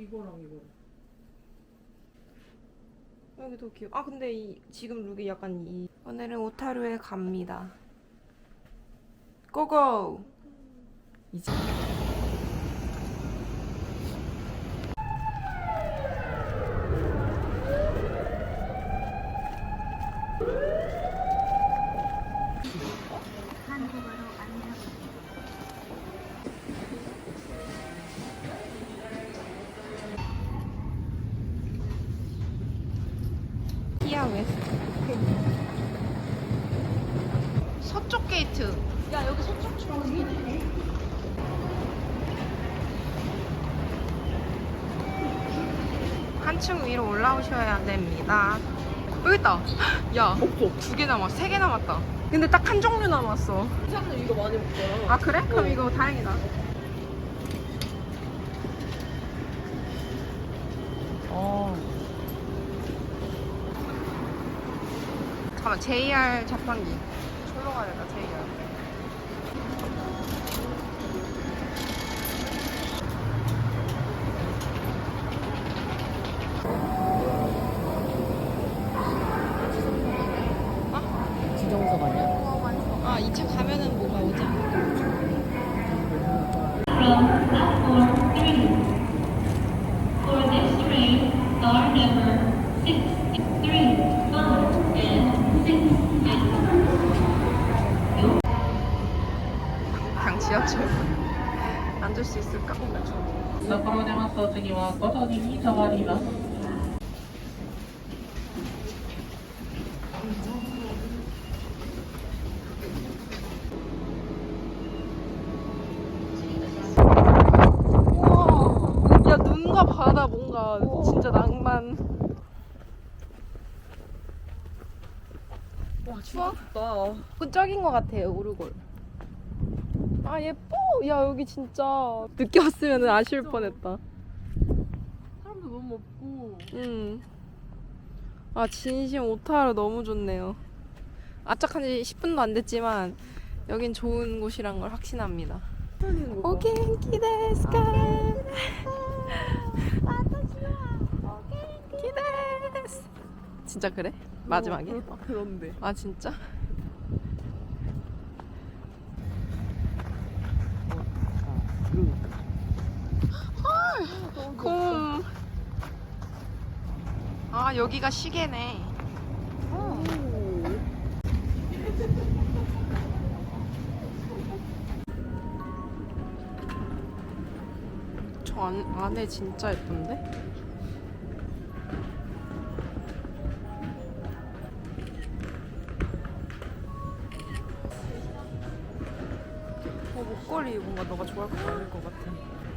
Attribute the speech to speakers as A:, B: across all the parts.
A: 이거랑 이거.
B: 여기도 귀여워. 아 근데 지금 룩이 약간 오늘은 오타루에 갑니다. 고고! 이제 키아 웨스트 서쪽 게이트. 야 여기 서쪽 중앙이네. 한층 위로 올라오셔야 됩니다. 여기 있다. 야,
A: 없어.
B: 2개 남았어. 3개 남았다. 근데 딱 한 종류 남았어.
A: 사람들 이거 많이 먹잖아.
B: 아 그래? 그럼 이거 다행이다. 잠깐만, JR 자판기. 졸로 가야 되나, JR.
A: 지정석 아니야?
B: 아, 2차 가면은 뭐가 오지 않을까?
C: From platform 3. For this train, star number 6, 3, 5, and 6.
B: 그냥 지하철. 앉을 수 있을까?
D: ところ出ますと次は5時に変わります。
B: 야, 눈과 바다 뭔가 진짜 낭만.
A: 와, 진짜 좋다.
B: 끈적인 것 같아요, 오르골. 아, 예뻐. 야, 여기 진짜 늦게 왔으면 아쉬울 뻔했다.
A: 사람도 너무 없고.
B: 아, 진심 오타루 너무 좋네요. 아짝한 지 10분도 안 됐지만 여긴 좋은 곳이란 걸 확신합니다. 오 겐키 데스까? 겐키 데스. 진짜 그래? 마지막에?
A: 그런데.
B: 아 진짜? 곰. 아 여기가 시계네. 저 안에 진짜 예쁜데? 목걸이 뭔가 너가 좋아할 것 같을 것 같아.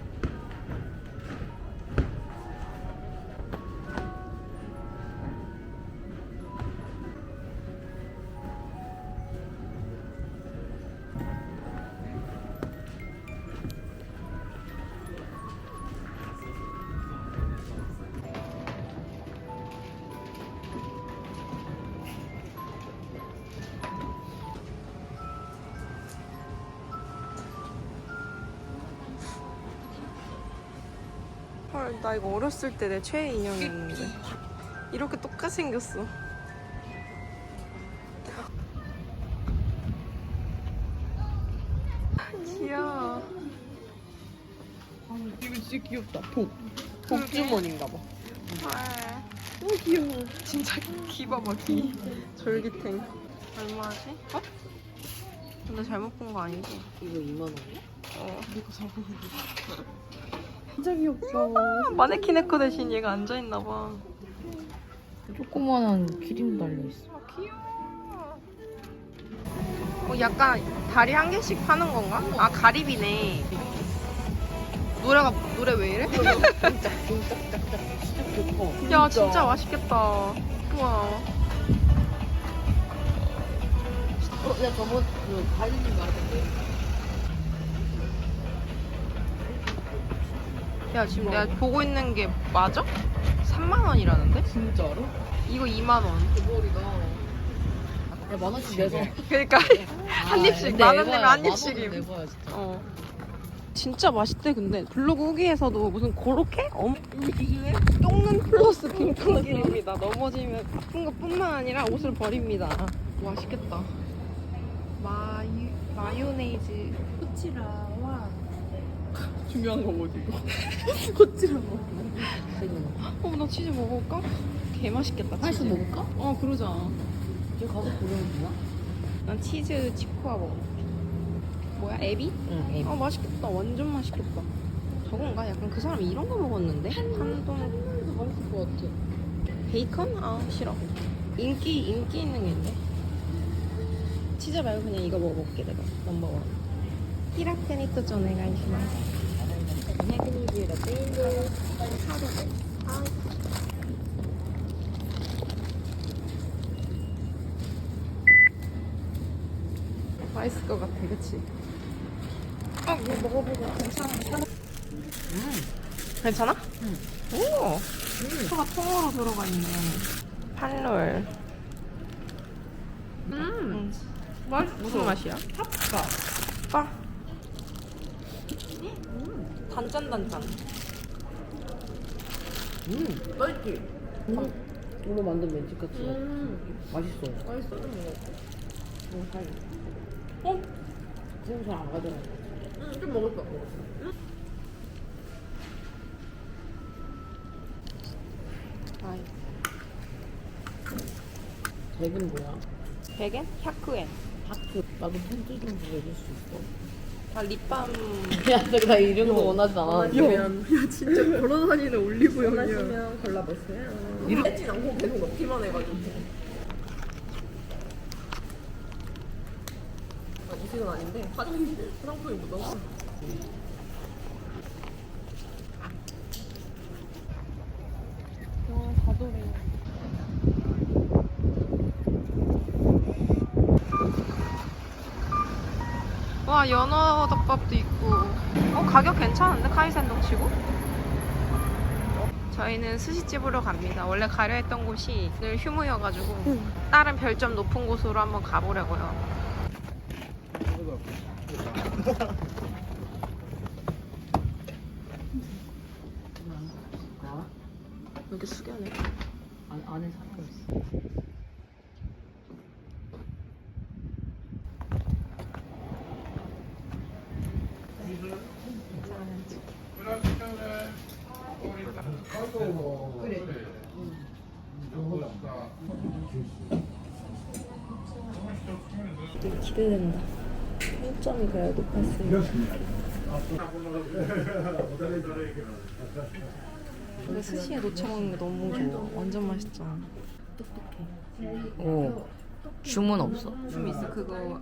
B: 헐, 나 이거 어렸을 때 내 최애 인형이었는데 이렇게 똑같이 생겼어. 귀여워.
A: 이거 진짜 귀엽다. 복주머니인가 봐.
B: 헐,
A: 너무 귀여워.
B: 진짜 귀 봐봐, 귀. 졸기탱. 얼마지? 어? 근데 잘못 본 거 아니지?
A: 이거 2만 원이야?
B: 어.
A: 내가 사고 있는 진짜 귀엽다.
B: 마네킹 네커 대신 얘가 앉아있나 봐.
A: 조그만한 기린 달려있어.
B: 아, 귀여워. 약간 다리 한 개씩 파는 건가? 아, 가리비네. 노래 왜 이래?
A: 진짜 좋다.
B: 야, 진짜 맛있겠다. 우와.
A: 야, 저번 달리지 말았는데.
B: 야, 지금 내가 보고 있는 게 맞아? 3만 원이라는데?
A: 진짜로?
B: 이거 2만 원.
A: 대박이다. 야, 10,000원씩 내서.
B: 그러니까 한 입씩, 만 원 내면 한 입씩임.
A: 내봐야 진짜.
B: 어. 진짜 맛있대. 근데 블로그 후기에서도 무슨 고로케? 이게 똥눈 플러스 빙판길입니다. 넘어지면 아픈 것뿐만 아니라 옷을 버립니다. 맛있겠다. 마요네이즈.
A: 코치라와
B: 중요한 거 뭐지 이거? 나 치즈 먹어볼까? 개 맛있겠다.
A: 하나씩
B: 치즈.
A: 먹을까?
B: 그러자.
A: 이제 가서 고르면 되나?
B: 난 치즈 치코아 먹어. 뭐야, 에비?
A: 응, 에이.
B: 맛있겠다. 완전 맛있겠다. 저건가? 약간 그 사람이 이런 거 먹었는데? 한동
A: 맛있을 것 같아.
B: 베이컨? 싫어. 인기 있는 게 있는데. 치즈 말고 그냥 이거 먹어볼게, 내가. 넘버원. 히라테니토 전에 가시마스. 맛있을 것 같아, 그치? 이거 먹어보고 괜찮아. 괜찮아?
A: 응.
B: 오! 소가 통으로 들어가 있네. 판롤. 무슨 맛이야? 파. 단짠단짠.
A: 맛있지? 이거 만든 멘치카츠. 맛있어. 맛있어. 너무 살. 새우 잘안 가져가. 좀 먹을 거.
B: 아이.
A: 덱은 뭐야?
B: 베겐? 샤크엔.
A: 하트. 나도 편지 좀 보여줄 수 있어?
B: 다 립밤.
A: 야, 나 이런 거 원하지 않아.
B: 야 진짜 걸어다니는 올리브영이야.
A: 원하시면 골라보세요.
B: 이렇게 않고 계속 넣기만 해가지고. 이식은 아닌데 화장품이 묻어서. 가돌이. 와, 연어 덮밥도 있고. 가격 괜찮은데? 카이센동 치고? 저희는 스시집으로 갑니다. 원래 가려 했던 곳이 늘 휴무여가지고 다른 별점 높은 곳으로 한번 가보려고요. 여기 숙연해.
A: 안에 사람 있어.
B: 되게 기대된다. 평점이 그래야 높았으니까. 근데 스시에 놓쳐 먹는 게 너무 좋아. 완전 맛있잖아.
A: 오. 주문 없어.
B: 좀 있어. 그거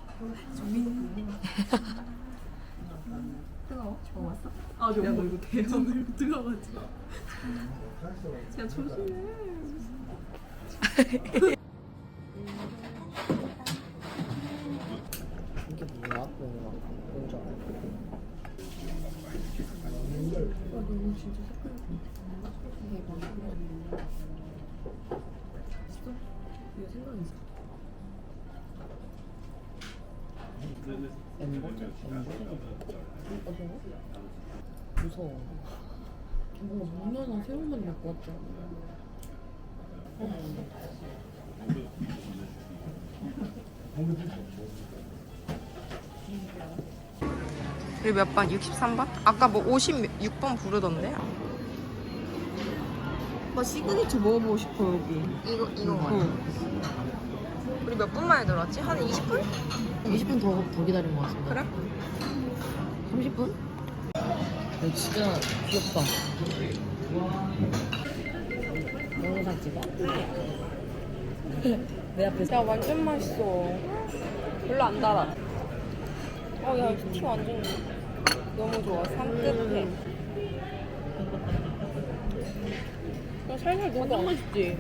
B: 뜨거워? 먹었어? 아, 저 이거 대전을 뜨거워가지고. 야, 조심해.
A: 이게 뭐야? 뭔지 알아?
B: 너무 진짜 색깔이 대박. 있어? 이거 생각 있어?
A: 엠버저? 무서워. 뭔가 무녀나 새우만 먹고 왔잖아.
B: 우리 몇 번? 63번? 아까 뭐 56번 부르던데?
A: 나 시그니처 먹어보고 싶어, 여기.
B: 이거 맞아. 우리 몇 분 만에 들어왔지? 한 20분?
A: 20분 더 기다린 것 같은데.
B: 그래?
A: 30분? 야, 진짜 귀엽다. 영상 찍어? 내 앞에서.
B: 야, 완전 맛있어. 별로 안 달아. 야, 티 완전 너무 좋아. 산뜻해. 그냥 살살 녹아.
A: 완전 맛있지?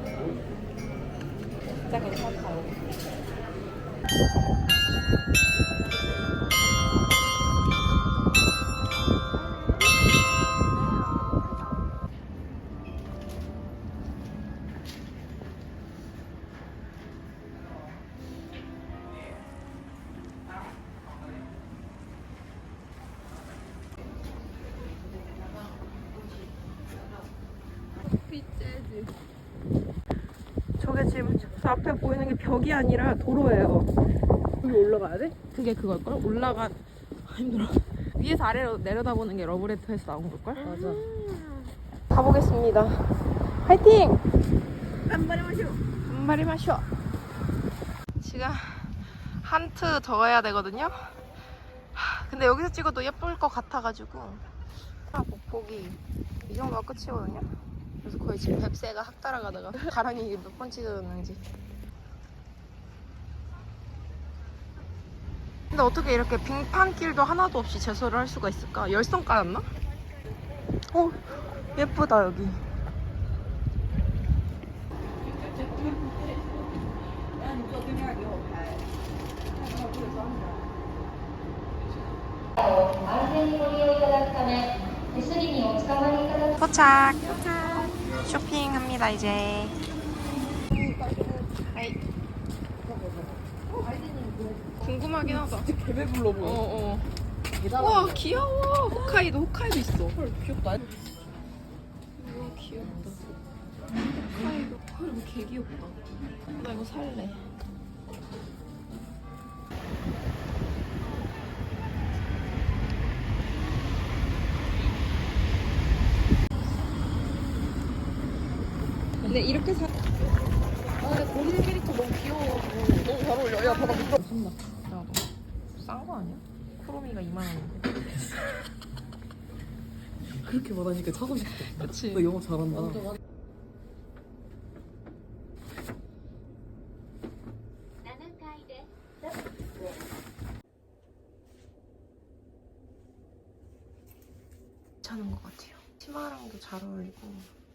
B: 진짜 괜찮다. 저게 지금 저 앞에 보이는 게 벽이 아니라 도로예요. 여기 올라가야 돼? 그게 그걸걸? 힘들어. 위에서 아래로 내려다보는 게 러브레터에서 나온 걸걸?
A: 맞아.
B: 가보겠습니다. 화이팅!
A: 깜발이 마셔.
B: 한마리 마셔. 지금 한트 더 해야 되거든요. 근데 여기서 찍어도 예쁠 것 같아가지고 목폭이 이 정도가 끝이거든요. 그래서 거의 지금 뱁새가 확 따라가다가 가랑이 몇 번 찢어졌는지. 근데 어떻게 이렇게 빙판길도 하나도 없이 제설을 할 수가 있을까? 열선 깔았나? 예쁘다 여기. 도착. 쇼핑합니다 이제. 하이. 궁금하긴 하다.
A: 진짜 개배불러 보여.
B: 어. 와 귀여워. 홋카이도 있어.
A: 헐 귀엽다.
B: 우와 귀엽다. 홋카이도 이거 개 귀엽다. 나 이거 살래. 근데 이렇게 사. 근데 고민 캐릭터 너무 귀여워. 너무 잘 어울려. 야 봐봐 미끄러. 산다. 야 싼 거 아니야? 쿠로미가 2만 원인데.
A: 그렇게 말하니까 사고 싶다.
B: 그치.
A: 너 영어 잘한다.
B: 괜찮은 것 같아요. 치마랑도 잘 어울리고.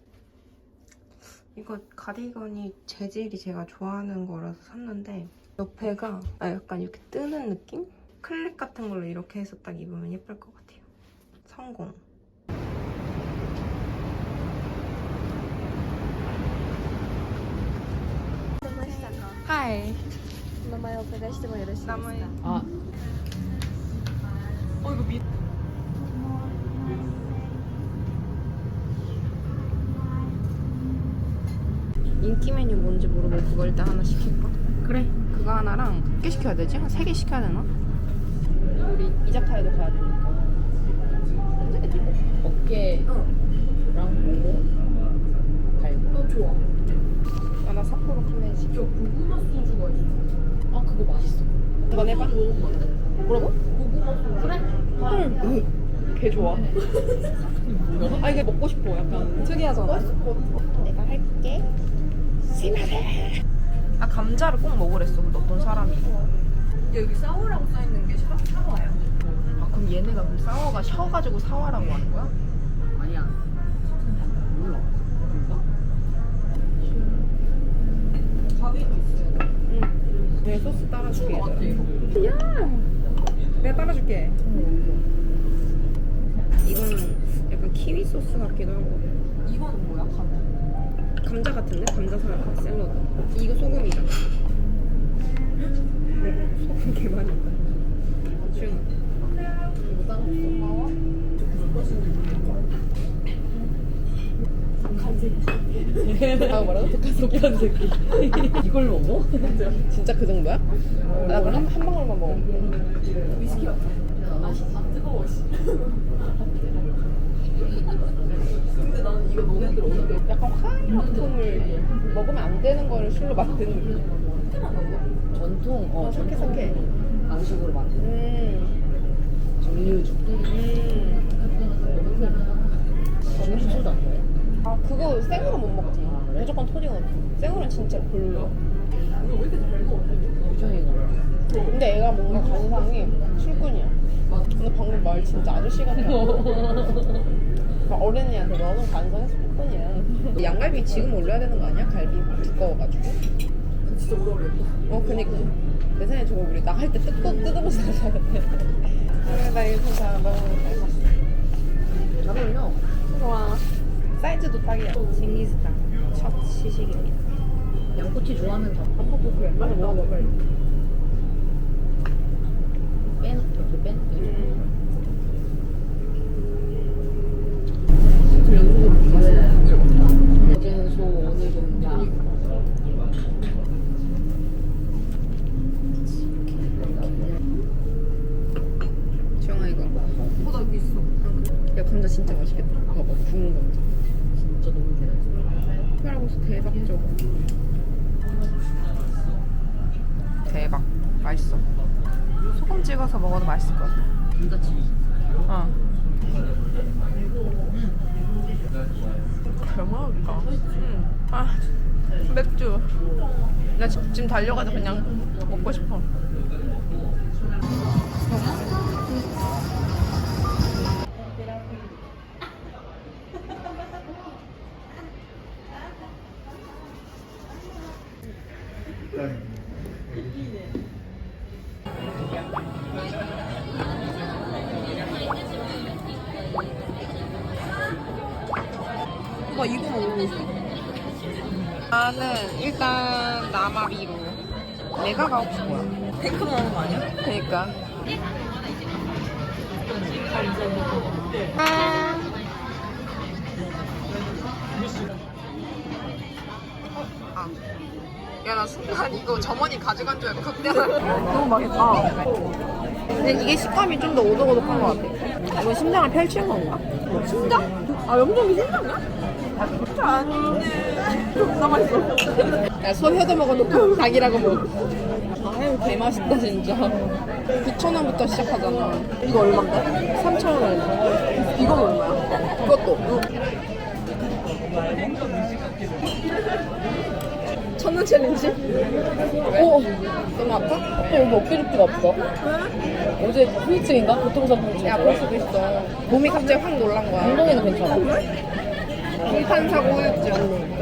B: 이거 가디건이 재질이 제가 좋아하는 거라서 샀는데 옆에가 약간 이렇게 뜨는 느낌? 클립 같은 걸로 이렇게 해서 딱 입으면 예쁠 것 같아요. 성공. 하이.
E: 名前をお伺いしてもよろしいですか。
B: 나머지.
A: 아
B: 이거 미. 인기 메뉴 뭔지 모르고 그거 일단 하나 시킬까?
A: 그래.
B: 그거 하나랑 몇 개 시켜야 되지? 한 3개 시켜야 되나? 우리 이자카야도 가야 되니까.
A: 어깨랑 뭐 갈고. 좋아.
B: 나 삿포로 클래식.
A: 고구마 소주가 있어. 아 그거 맛있어.
B: 한번 해봐. 뭐라고?
A: 고구마 소주. 그래.
B: 헐. 개 좋아. 아 이게 먹고 싶어. 약간 특이하잖아. 내가 할게. 스미마세. 아 감자를 꼭 먹으랬어. 근데 어떤 사람이.
A: 여기 사워라고 써있는 게 사와야.
B: 아 그럼 얘네가 그럼 사워가 셔가지고 사와라고 하는 거야?
A: 아니야. 몰라. 가위도 있어요.
B: 응. 내 소스 따라줄게.
A: 같아 이거.
B: 내가 따라줄게. 이거는 약간 키위 소스 같기도 하고.
A: 이거는 뭐야?
B: 감자 같은데? 감자 샐러드. 이거 소금이다. 소금 개 많이 있다. 중.
A: 이거 따로 고마워. 독한 새끼. 아 뭐라고? 독한 새끼란 새끼. 이걸 먹어?
B: 진짜 그 정도야? 나 그럼 한 방울만 먹어.
A: 위스키 같아. 아 뜨거워 씨. 근데 나는 이거 너무 어렵게.
B: 약간 화학품을 먹으면 안 되는 거를 술로 만드는 느낌.
A: 전통
B: 석회.
A: 방식으로 만든 정류주. 정류주도 안 먹어요?
B: 아 그거 생으로 못 먹지. 무조건 토닉은. 생으로는 진짜 별로야.
A: 이거 왜 이렇게 잘 먹어? 유정이가.
B: 근데 애가 뭔가 관상이 술꾼이야. 근데 방금 말 진짜 아저씨 같아. 어른이한테 너는 관상이 술꾼이야. 양갈비 지금 올려야 되는 거 아니야? 갈비 두꺼워가지고.
A: 진짜 오래 걸렸다.
B: 그니까. 내 생각에 저거 우리 나갈 때 뜯으면서 가야 돼. 그래, 나 이거 진짜 너무 잘 봤어.
A: 잘 어울려.
B: 좋아. 사이즈도 딱이야. 징기스탕 첫 시식입니다.
A: 양꼬치 좋아하면 다 팍팍 그래. 빨리 먹어봐 빨리. 이렇게 빼놓게. 어제는 소
B: 감자 진짜 맛있겠다. 봐봐, 구운 감자.
A: 진짜 너무 좋아.
B: 특별하고서 대박적. 대박. 맛있어. 소금 찍어서 먹어도 맛있을 것 같아.
A: 감자칩.
B: 어. 대박이다. 아, 맥주. 나 지금 달려가서 그냥 먹고 싶어. 나 이거 먹고 싶어. 나는 일단 나마비로 내가 가고 싶어.
A: 탱크 나오는 거 아니야?
B: 그러니까. 아. 야, 나 순간 이거 점원이 가져간 줄 알고 극대화. 너무 맛있다. 근데 이게 식감이 좀 더 오독오독한 것 같아. 이건 심장을 펼치는 건가? 심장? 아, 염동이 심장이야? 진짜 아닌데. 존나 맛있어. 야, 소혀도 먹어놓고 닭이라고 먹어. 아, 햄 개맛있다, 진짜. 9,000원부터 시작하잖아. 이거 얼마인데? 3,000원. 이건 얼마야? 이것도. 1,000원 챌린지? 오! 너무 아파?
A: 이거 어깨리프가 없어. 왜? 어제 후유증인가? 교통사고증.
B: 야, 그럴 수도 있어. 몸이 갑자기 확 놀란 거야.
A: 엉덩이는 괜찮아.
B: 공판사고 후유증.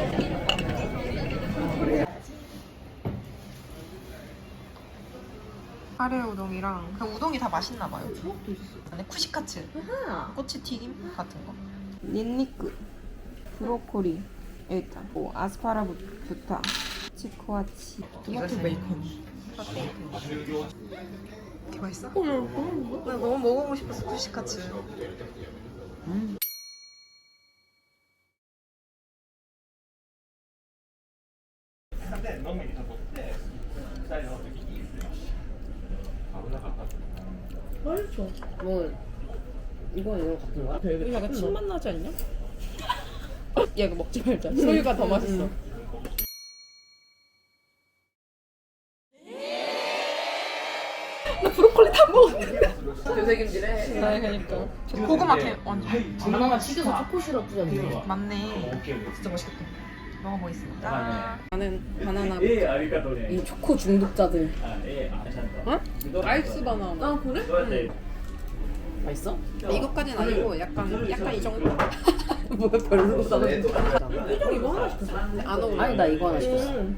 B: 카레 우동이랑 그 우동이 다 맛있나 봐요.
A: 초밥도 있어.
B: 안에 쿠시카츠,
A: 아하.
B: 꼬치 튀김 같은 거. 닌니크, 브로콜리, 일단 뭐 아스파라부타, 치코아치,
A: 토마토 베이컨.
B: 이게 맛있어? 나 너무 먹어보고 싶었어 쿠시카츠.
A: 맛있어. 뭐 이건 이거 같은 거야? 이거 약간 침맛 나지 않냐?
B: 야, 이거 먹지 말자. 소유가 더 맛있어. 나 브로콜리 다 먹었는데.
A: 되새김질해.
B: 네, 그러니까. 고구마 캠 완전.
A: 엄마가 튀겨서 초코 시럽 뿌렸는데.
B: 맞네. 진짜 맛있겠다. 먹어보겠습니다. 나는 바나나.
A: 이 초코 중독자들.
B: 어? 아이스 바나나.
A: 아 그래? 맛있어?
B: 이것까지는 아니고 약간 이 정도.
A: 뭐야 별로다.
B: 표정 이거 하나 시켰어. 안 어울려.
A: 아니 나 이거 하나 시켰어.
B: 응?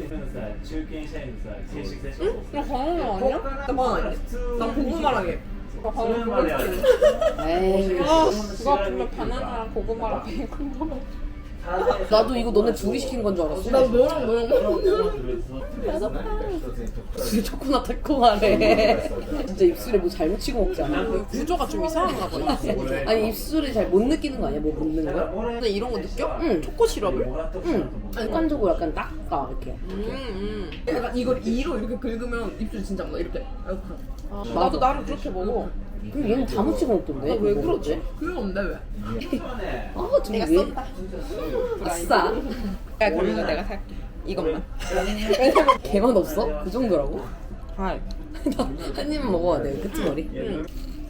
B: 나 바나나 아니야? 나 바나나 아니야? 나 고구마랑 해. 나 바나나
A: 에이.
B: 아, 누가 보면 바나나랑 고구마랑 베이컨 먹어.
A: 나도 이거 너네 둘이 시킨 건 줄 알았어.
B: 나 너랑 먹었는데.
A: 입술에 초코나 달콤하네. 진짜 입술에 뭐 잘못 치고 먹지 않아?
B: 구조가 좀 이상한가 봐.
A: 아니 입술에 잘 못 느끼는 거 아니야? 뭐 묻는 거?
B: 근데 이런 거 느껴?
A: 응.
B: 초코 시럽을?
A: 응. 습관적으로 약간 닦아 이렇게.
B: 약간 이걸 이로 이렇게 긁으면 입술 진짜 막 이렇게.
A: 맞아.
B: 나도 나를 그렇게 먹어.
A: 그럼 얘는 다 묻히고 먹던데.
B: 왜
A: 이거
B: 그러지? 그게 없는데 왜?
A: 아, 좀
B: 내가
A: 왜?
B: 쏜다.
A: 아싸.
B: 야, 그럼 이거 내가 살게. 이것만.
A: 개만 없어? 그 정도라고?
B: 아,
A: 한 입만 먹어야 돼. 그치 머리?
B: 응.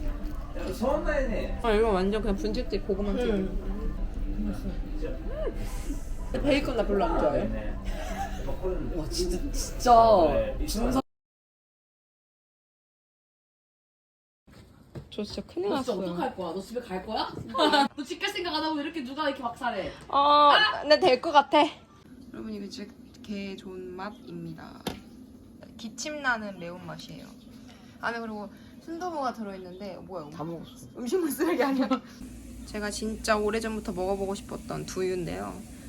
B: 아, 이거 완전 그냥 분식집 고구마 튀김. 베이컨 나 별로 안 좋아해.
A: 와 진짜 준서.
B: 저 진짜 큰일
A: 너 진짜
B: 났어요.
A: 어떡할 거야? 너 집에 갈 거야? 너 집 갈 생각 안 하고 왜 이렇게 누가 이렇게 막살해?
B: 근데 될 것 같아. 여러분 이거 진짜 개 좋은 맛입니다. 기침 나는 매운 맛이에요. 안에 그리고 순두부가 들어있는데 뭐야?
A: 다 먹었어.
B: 음식물 쓰레기 아니야? 제가 진짜 오래전부터 먹어보고 싶었던 두유인데요.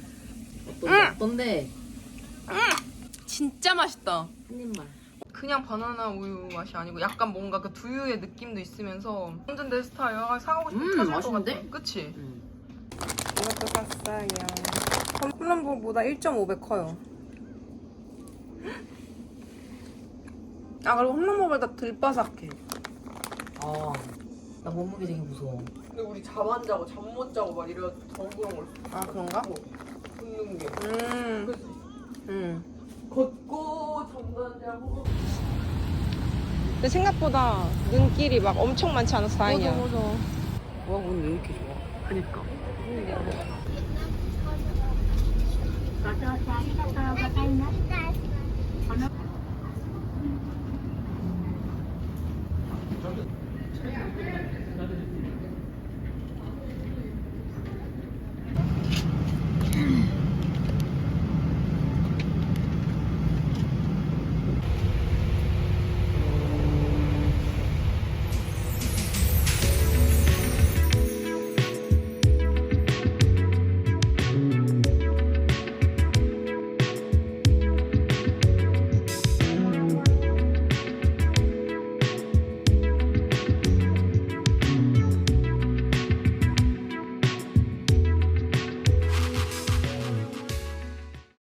A: 어떤데?
B: 진짜 맛있다.
A: 한 입만.
B: 그냥 바나나 우유 맛이 아니고 약간 뭔가 그 두유의 느낌도 있으면서 완전 내 스타일. 아, 사가고 싶으면 사줄 것
A: 맛있는데?
B: 같아. 그치?
A: 응.
B: 이것도 샀어요. 홈런보다 1.5배 커요. 아, 그리고 홈런보다 덜 바삭해.
A: 아, 나 몸무게 되게 무서워. 근데 우리 잠 안 자고 잠 못 자고 막 이래 더 그런 걸
B: 아 그런가?
A: 붓는 게.
B: 음.
A: 걷고 잠도 안 자고.
B: 근데 생각보다 눈길이 막 엄청 많지 않아서 다행이야.
A: 맞아. 와 오늘 왜 이렇게 좋아? 그니까.
C: ご乗車ありがとうございます。この